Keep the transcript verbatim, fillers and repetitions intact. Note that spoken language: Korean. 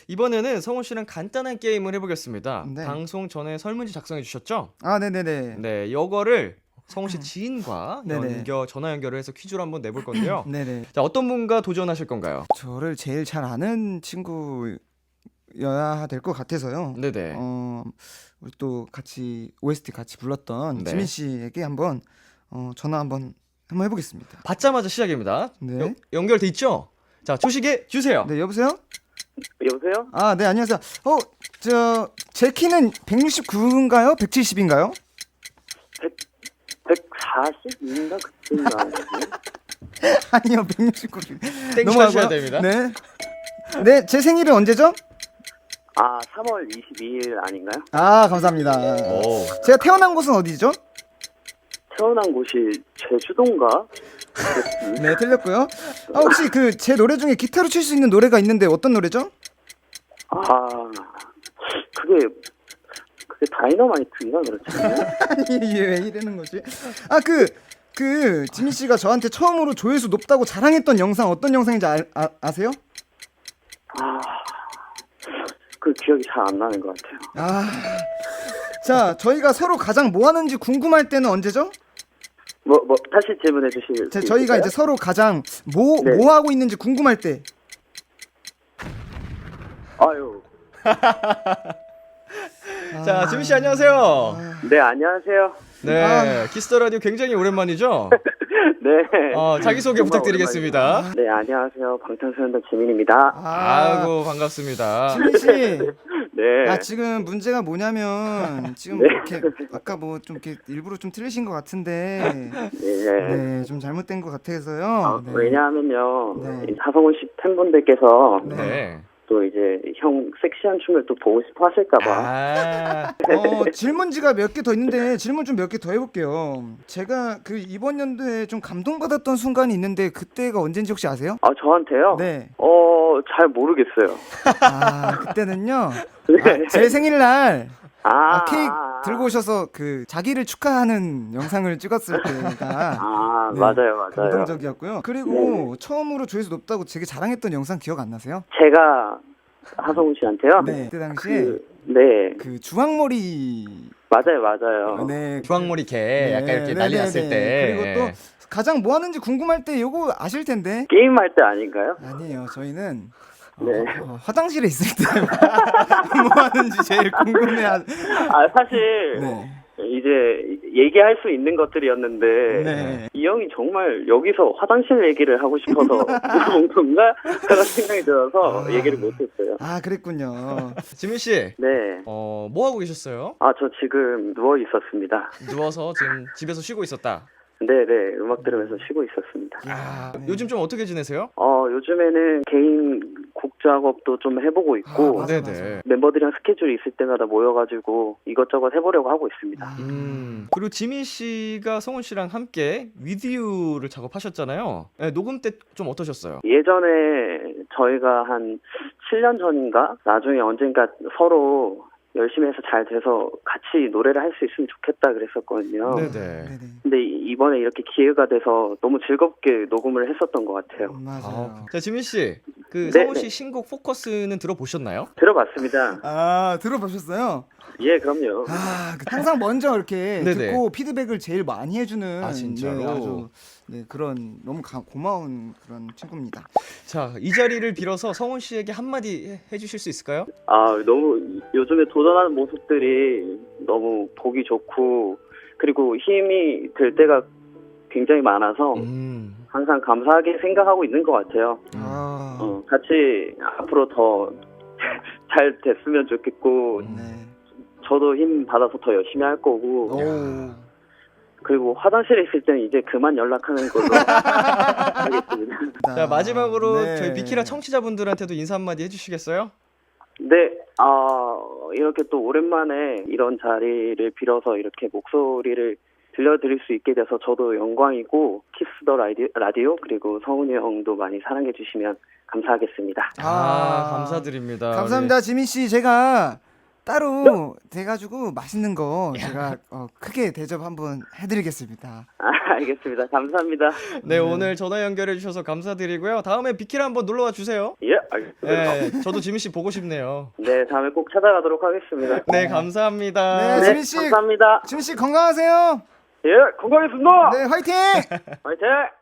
이번에는 성훈 씨랑 간단한 게임을 해보겠습니다. 네. 방송 전에 설문지 작성해 주셨죠? 아, 네네네. 네, 이거를 성훈 씨 지인과 네네. 연결, 전화 연결을 해서 퀴즈로 한번 내볼 건데요. 네네. 자, 어떤 분과 도전하실 건가요? 저를 제일 잘 아는 친구여야 될 것 같아서요. 네네. 어, 우리 또 같이 오에스티 같이 불렀던 네. 지민 씨에게 한번 어, 전화 한번 한번 해보겠습니다. 받자마자 시작입니다. 네. 여- 연결돼 있죠? 자, 초식에 주세요. 네, 여보세요? 여보세요? 아, 네, 안녕하세요. 어, 저 제 키는 백육십구인가요? 백칠십인가요? 백사십인가 그때인가. 아니요, 백육십구. 땡 쳐주셔야 됩니다. 네. 네, 제 생일은 언제죠? 아, 삼월 이십이일 아닌가요? 아, 감사합니다. 오. 제가 태어난 곳은 어디죠? 태어난 곳이 제주도인가? 네, 틀렸고요. 아, 혹시 그 제 노래 중에 기타로 칠 수 있는 노래가 있는데 어떤 노래죠? 아, 그게 그게 다이너마이트인가 그렇지? 아니, 왜 이러는 거지? 아, 그, 그, 지민 씨가 저한테 처음으로 조회수 높다고 자랑했던 영상 어떤 영상인지 아, 아, 아세요? 아, 그 기억이 잘 안 나는 것 같아요. 아. 자, 저희가 서로 가장 뭐 하는지 궁금할 때는 언제죠? 뭐, 뭐 다시 질문해 주실 자, 수 저희가 있을까요? 이제 서로 가장 뭐, 네. 뭐 하고 있는지 궁금할 때. 아유, 자, 지민 씨 안녕하세요. 네 안녕하세요. 네, 아. 키스터 라디오 굉장히 오랜만이죠? 네. 어, 자기소개 정말 부탁드리겠습니다. 오랜만입니다. 네 안녕하세요. 방탄소년단 지민입니다. 아, 아이고, 반갑습니다. 지민 씨. 네. 아, 지금 문제가 뭐냐면 지금 네. 이렇게 아까 뭐 좀 이렇게 일부러 좀 틀리신 것 같은데 네. 네, 좀 잘못된 것 같아서요. 아, 네. 왜냐하면요, 네. 이 하성훈 씨 팬분들께서 네. 또 이제 형 섹시한 춤을 또 보고 싶어 하실까봐. 아, 어, 질문지가 몇 개 더 있는데 질문 좀 몇 개 더 해볼게요. 제가 그 이번 연도에 좀 감동받았던 순간이 있는데 그때가 언젠지 혹시 아세요? 아, 저한테요? 네. 어, 잘 모르겠어요. 아, 그때는요. 네. 아, 제 생일날 아, 아, 케이크 들고 오셔서 그 자기를 축하하는 영상을 찍었을 때가 아, 네, 맞아요, 맞아요. 감동적이었고요. 그리고 처음으로 조회수 높다고 되게 자랑했던 영상 기억 안 나세요? 제가 하성훈 씨한테요? 네. 그때 당시에 그, 네. 그 주황머리 맞아요, 맞아요. 네. 주황머리 개 네, 약간 이렇게 네, 난리 네, 났을 네. 때. 그리고 또 가장 뭐 하는지 궁금할 때 요거 아실 텐데. 게임할 때 아닌가요? 아니에요. 저희는 어, 네. 어, 화장실에 있을 때 뭐 하는지 제일 궁금해 하... 아, 사실, 네. 이제 얘기할 수 있는 것들이었는데, 네. 이 형이 정말 여기서 화장실 얘기를 하고 싶어서 물어본 건가? 그런 생각이 들어서 아. 얘기를 못했어요. 아, 그랬군요. 지민 씨, 네. 어, 뭐 하고 계셨어요? 아, 저 지금 누워 있었습니다. 누워서 지금 집에서 쉬고 있었다. 네네, 음악 들으면서 쉬고 있었습니다. 아, 네. 요즘 좀 어떻게 지내세요? 어, 요즘에는 개인 곡 작업도 좀 해보고 있고, 아, 맞아, 네네. 맞아. 멤버들이랑 스케줄이 있을 때마다 모여가지고 이것저것 해보려고 하고 있습니다. 아, 음. 그리고 지민 씨가 성훈 씨랑 함께 위드유를 작업하셨잖아요. 네, 녹음 때 좀 어떠셨어요? 예전에 저희가 한 칠 년 전인가? 나중에 언젠가 서로 열심히 해서 잘 돼서 같이 노래를 할 수 있으면 좋겠다 그랬었거든요. 네네. 네네. 근데 이- 이번에 이렇게 기회가 돼서 너무 즐겁게 녹음을 했었던 것 같아요. 맞아요. 아, 자, 지민 씨, 그 네, 성훈 씨 네. 신곡 포커스는 들어보셨나요? 들어봤습니다. 아, 들어보셨어요? 예, 그럼요. 아, 그 항상 먼저 이렇게 네네. 듣고 피드백을 제일 많이 해주는 아, 진짜로? 네, 아주 네, 그런 너무 가, 고마운 그런 친구입니다. 자, 이 자리를 빌어서 성훈 씨에게 한마디 해- 해주실 수 있을까요? 아, 너무 요즘에 도전하는 모습들이 너무 보기 좋고, 그리고 힘이 될 때가 굉장히 많아서 음. 항상 감사하게 생각하고 있는 것 같아요. 아, 어, 같이 앞으로 더 잘 됐으면 좋겠고, 음. 네. 저도 힘 받아서 더 열심히 할 거고, 오. 그리고 화장실에 있을 때는 이제 그만 연락하는 걸로 하겠습니다. 자, 마지막으로 네. 저희 비키라 청취자분들한테도 인사 한마디 해주시겠어요? 네, 아, 이렇게 또 오랜만에 이런 자리를 빌어서 이렇게 목소리를 들려드릴 수 있게 돼서 저도 영광이고, 키스 더 라디오, 라디오 그리고 성훈이 형도 많이 사랑해 주시면 감사하겠습니다. 아, 감사드립니다. 감사합니다, 지민 씨. 제가 따로 돼가지고 맛있는 거 제가 어, 크게 대접 한번 해드리겠습니다. 아, 알겠습니다. 감사합니다. 네, 오늘 전화 연결해 주셔서 감사드리고요. 다음에 비키라 한번 놀러 와 주세요. 예, 알겠습니다. 네, 저도 지민 씨 보고 싶네요. 네, 다음에 꼭 찾아가도록 하겠습니다. 네, 감사합니다. 네, 네, 지민 씨. 감사합니다. 지민 씨 건강하세요. 예, 건강했습니다. 네, 화이팅! 화이팅!